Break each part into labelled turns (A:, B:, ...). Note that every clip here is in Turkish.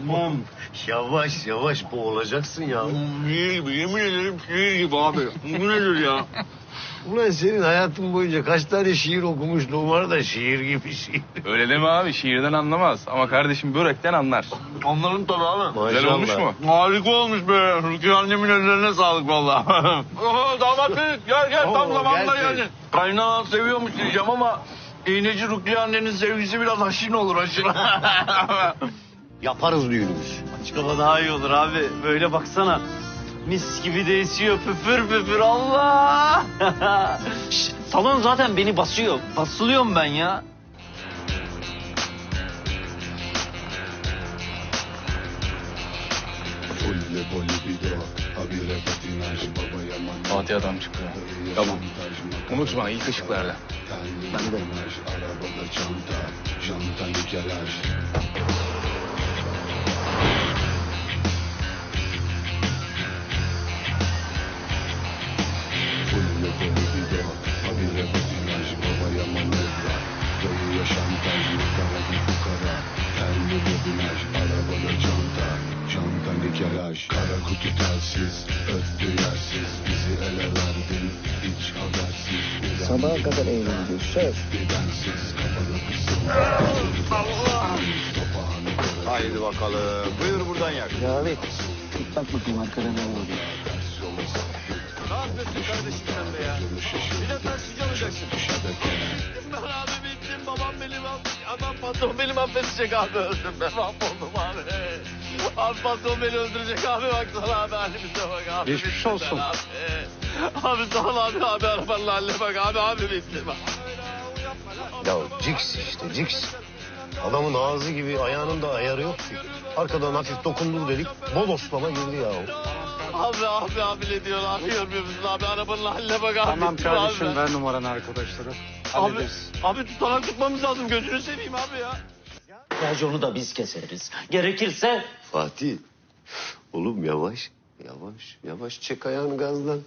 A: Yavaş yavaş boğulacaksın ya.
B: Şiir gibi, yemin ederim şiir gibi abi. Bu nedir ya?
A: Ulan senin hayatın boyunca kaç tane şiir okumuşluğun var da şiir gibi şiir.
C: Öyle deme abi, şiirden anlamaz. Ama kardeşim börekten anlar.
B: Anlarım tabii abi.
C: Güzel olmuş mu?
B: Harika olmuş be. Rukiye annemin ellerine sağlık vallahi. Damat Bey gel tam
A: Oo,
B: zamanında
A: gel.
B: geldin. Kaynağı seviyormuş diyeceğim ama iğneci Rukiye annenin sevgisi biraz aşin olur aşin.
A: Yaparız düğünümüz.
D: Açık hava daha iyi olur abi. Böyle baksana. Mis gibi de esiyor püfür püfür Allah. Şş, salon zaten beni basıyor. Basılıyorum ben ya.
C: Fatih adam çıktı. Tamam. Unutma ilk ışıklarda.
D: Ben de.
E: Kara kutu telsiz, öttü yersiz, bizi ele verdin, hiç habersiz.
F: Sabaha kadar eğleneceğiz. Söz.
E: Bensiz kapalı kısım.
A: Haydi bakalım. Buyur buradan yak.
F: Cavit. Git bak bakayım arkada ne oluyor.
A: Ne yapıyorsun kardeşim sen be ya? Bir de taksici olacaksın. Ben abi bittim. Babam benim adam patron benim affedecek abi. Öldüm ben mahvoldum abi. Abi patron beni öldürecek abi. Baksana abi halimize bak abi.
D: Geçmiş olsun.
A: Abi. Abi sağ ol abi arabanın haline bak abi bittim. Ya Cix işte Cix. Adamın ağzı gibi ayağının da ayarı yok ki. Arkadan hafif dokundur dedik. Bodoslama girdi ya. Abi ne diyor abi görmüyor musun abi arabanın haline bak abi.
D: Tamam kardeşim
A: abi.
D: ver numaranı arkadaşlara.
A: Abi tutanak tutmamız lazım gözünü seveyim abi ya.
D: Raconu da biz keseriz. Gerekirse
A: Fatih. Oğlum yavaş çek ayağını gazdan.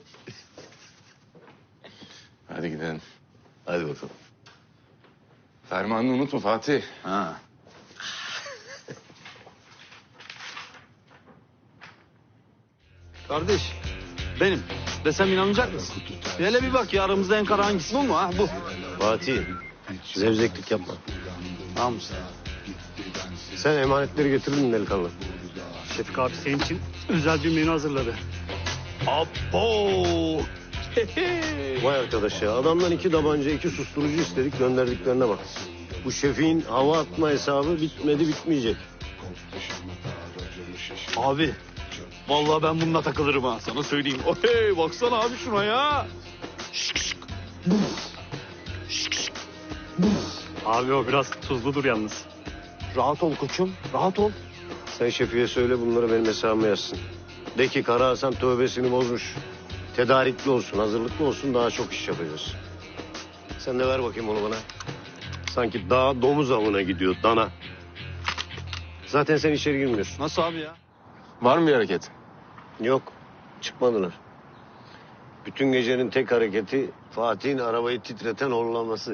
C: Hadi gidelim.
A: Hadi bakalım.
C: Fermanını unutma Fatih.
D: Ha. Kardeş, benim. Desem inanacak mısın? Hele bir bak ya aramızda en kara hangisi bu mu ha? Bu.
A: Fatih zevzeklik yapma.
D: Tamam mısın?
A: Sen emanetleri getirdin mi delikanlı?
G: Şefik abi senin için özel bir menü hazırladı.
A: Abo! Vay arkadaş ya adamdan 2 tabanca 2 susturucu istedik gönderdiklerine bak. Bu şefin hava atma hesabı bitmedi bitmeyecek.
D: Abi, vallahi ben bununla takılırım ha sana söyleyeyim. Hey, baksana abi şuna ya.
G: Abi o biraz tuzludur yalnız.
D: Rahat ol koçum, rahat ol.
A: Sen şefiye söyle bunları benim hesabıma yazsın. De ki Kara Hasan tövbesini bozmuş. Tedarikli olsun, hazırlıklı olsun daha çok iş yapacağız. Sen de ver bakayım onu bana. Sanki dağ domuz avına gidiyor dana. Zaten sen içeri girmiyorsun.
D: Nasıl abi ya?
C: Var mı bir hareket?
A: Yok, çıkmadılar. Bütün gecenin tek hareketi Fatih'in arabayı titreten horlaması.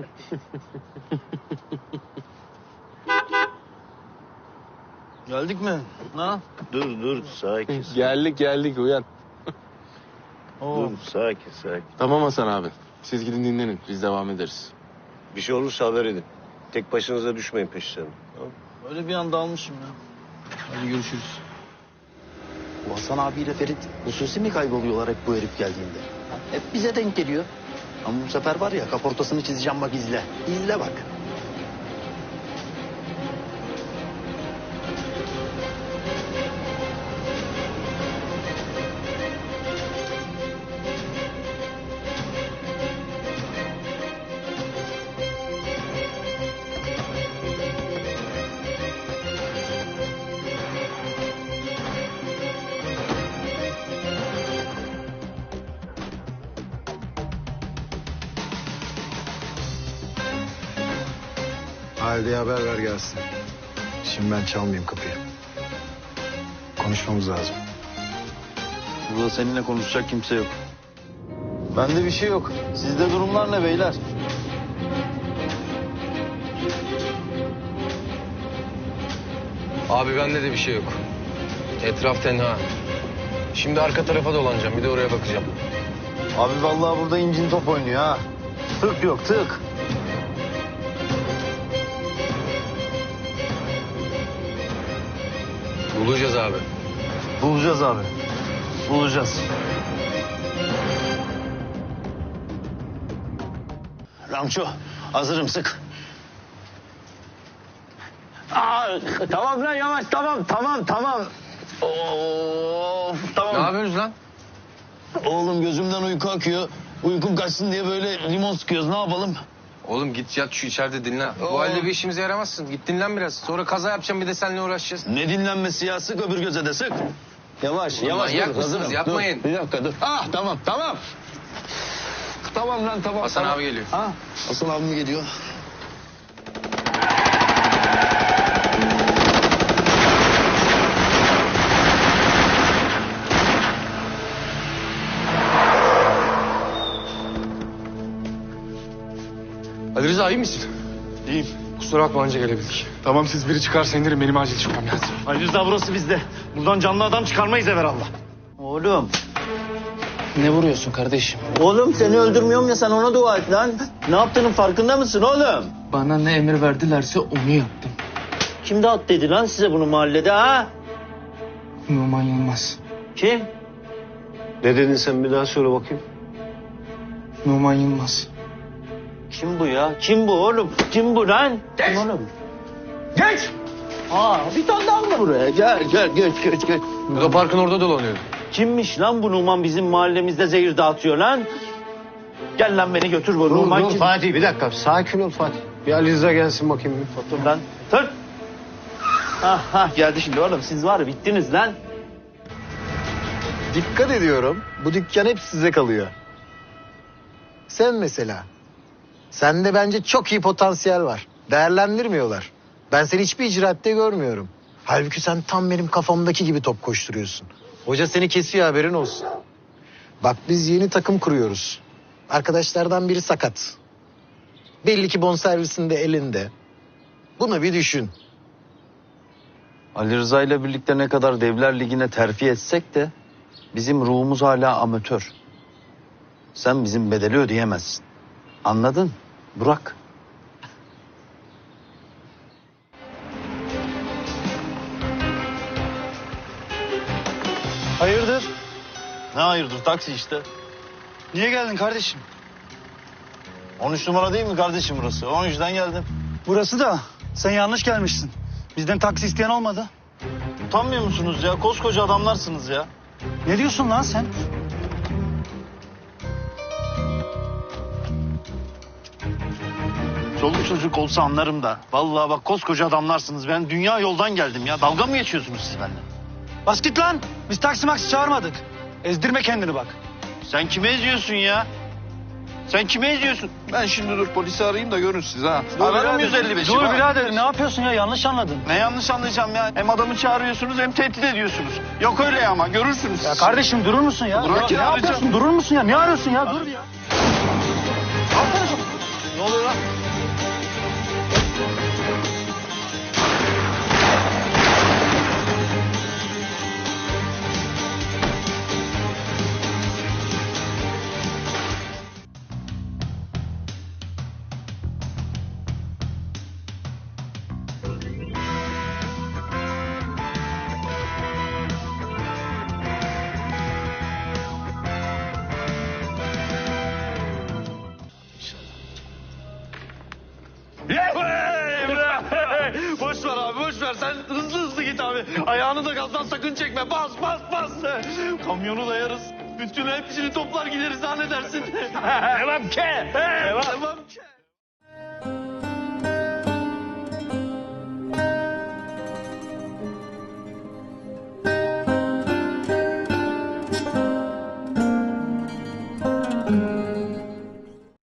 D: Geldik mi? Ha?
A: Dur, sakin.
C: Geldik uyan.
A: Dur, sakin.
C: Tamam Hasan abi. Siz gidin dinlenin. Biz devam ederiz.
A: Bir şey olursa haber edin. Tek başınıza düşmeyin peşlerine. Tamam?
D: Öyle bir anda almışım ya. Hadi görüşürüz.
F: Bu Hasan abiyle Ferit hususi mi kayboluyorlar hep bu herif geldiğinde? Hep bize denk geliyor. Ama bu sefer var ya kaportasını çizeceğim bak izle. İzle bak.
H: Halide haber ver gelsin. Şimdi ben çalmayayım kapıyı. Konuşmamız lazım.
D: Burada seninle konuşacak kimse yok. Bende bir şey yok. Sizde durumlar ne beyler?
A: Abi bende de bir şey yok. Etraf tenha. Şimdi arka tarafa dolanacağım. Bir de oraya bakacağım.
F: Abi vallahi burada incin top oynuyor ha. Tık yok tık.
A: Bulacağız abi.
F: Bulacağız abi. Bulacağız. Ramço hazırım sık. Tamam lan yavaş tamam. Of tamam.
A: Ne yapıyorsunuz lan?
F: Oğlum gözümden uyku akıyor. Uykum kaçsın diye böyle limon sıkıyoruz ne yapalım?
A: Oğlum git yat şu içeride dinlen. Bu halde bir işimize yaramazsın. Git dinlen biraz. Sonra kaza yapacağım bir de seninle uğraşacağız.
F: Ne dinlenmesi ya sık öbür göze de sık. Yavaş
A: Oğlum
F: yavaş.
A: manyak
F: dur,
A: mısınız?
F: hazırım.
A: Yapmayın.
F: Dur, bir dakika dur. Tamam. Tamam lan tamam.
A: Hasan
F: tamam.
A: abi geliyor.
F: Hasan abi mi geliyor?
A: Ali Rıza iyi misin?
G: İyiyim.
A: Kusura bakma anca gelebildik.
G: Tamam siz biri çıkarsa indirin benim acil çıkmam lazım.
D: Ali Rıza burası bizde. Buradan canlı adam çıkarmayız evvelallah. Oğlum.
C: Ne vuruyorsun kardeşim?
F: Oğlum seni öldürmüyorum ya sen ona dua et lan. Ne yaptığının farkında mısın oğlum?
C: Bana ne emir verdilerse onu yaptım.
F: Kim dağıt dedi lan size bunu mahallede ha?
C: Numan Yılmaz.
F: Kim?
A: Ne dedin sen bir daha söyle bakayım.
C: Numan Yılmaz.
F: Kim bu ya? Kim bu oğlum? Kim bu lan? Kim oğlum? Geç! Bir tane daha mı buraya? Gel.
A: Bu da parkın orada dolanıyordu.
F: Kimmiş lan bu Numan bizim mahallemizde zehir dağıtıyor lan? Gel lan beni götür bu Numan kim?
A: Fatih bir dakika. Sakin ol Fatih. Bir Ali Rıza gelsin bakayım.
F: Dur lan. Dur. Geldi şimdi oğlum. Siz var ya bittiniz lan.
H: Dikkat ediyorum. Bu dükkan hep size kalıyor. Sen mesela. Sende bence çok iyi potansiyel var. Değerlendirmiyorlar. Ben seni hiçbir icraatte görmüyorum. Halbuki sen tam benim kafamdaki gibi top koşturuyorsun. Hoca seni kesiyor haberin olsun. Bak biz yeni takım kuruyoruz. Arkadaşlardan biri sakat. Belli ki bonservisinde elinde. Bunu bir düşün.
F: Ali Rıza ile birlikte ne kadar Devler Ligi'ne terfi etsek de bizim ruhumuz hala amatör. Sen bizim bedeli ödeyemezsin. Anladın? Burak.
G: Hayırdır?
F: Ne hayırdır taksi işte.
G: Niye geldin kardeşim?
F: 13 numara değil mi kardeşim burası? O yüzden geldim.
G: Burası da sen yanlış gelmişsin. Bizden taksi isteyen olmadı.
F: Utanmıyor musunuz ya? Koskoca adamlarsınız ya.
G: Ne diyorsun lan sen?
F: Çoluk çocuk olsa anlarım da. Vallahi bak koskoca adamlarsınız. Ben dünya yoldan geldim ya. Dalga mı geçiyorsunuz siz benimle?
G: Bas git lan. Biz taksi maksi çağırmadık. Ezdirme kendini bak.
F: Sen kime eziyorsun ya? Sen kime eziyorsun?
B: Ben şimdi dur polisi arayayım da görün siz ha.
F: Ararım 155'i.
G: Dur
F: bak.
G: birader ne yapıyorsun ya yanlış anladın.
F: Ne yanlış anlayacağım ya? Hem adamı çağırıyorsunuz hem tehdit ediyorsunuz. Yok öyle ama görürsünüz.
G: Ya kardeşim durur musun ya?
F: Bırak
G: ne
F: ya,
G: yapıyorsun?
F: arayacağım.
G: Durur musun ya? Ne arıyorsun ya? Dur ya.
F: Ne oluyor lan?
D: Boş ver abi boş ver. Sen hızlı git abi. Ayağını da gazdan sakın çekme. Bas. Kamyonu dayarız. Bütün hepsini toplar gideriz. Ha ne dersin? Devam ke. Devam ke.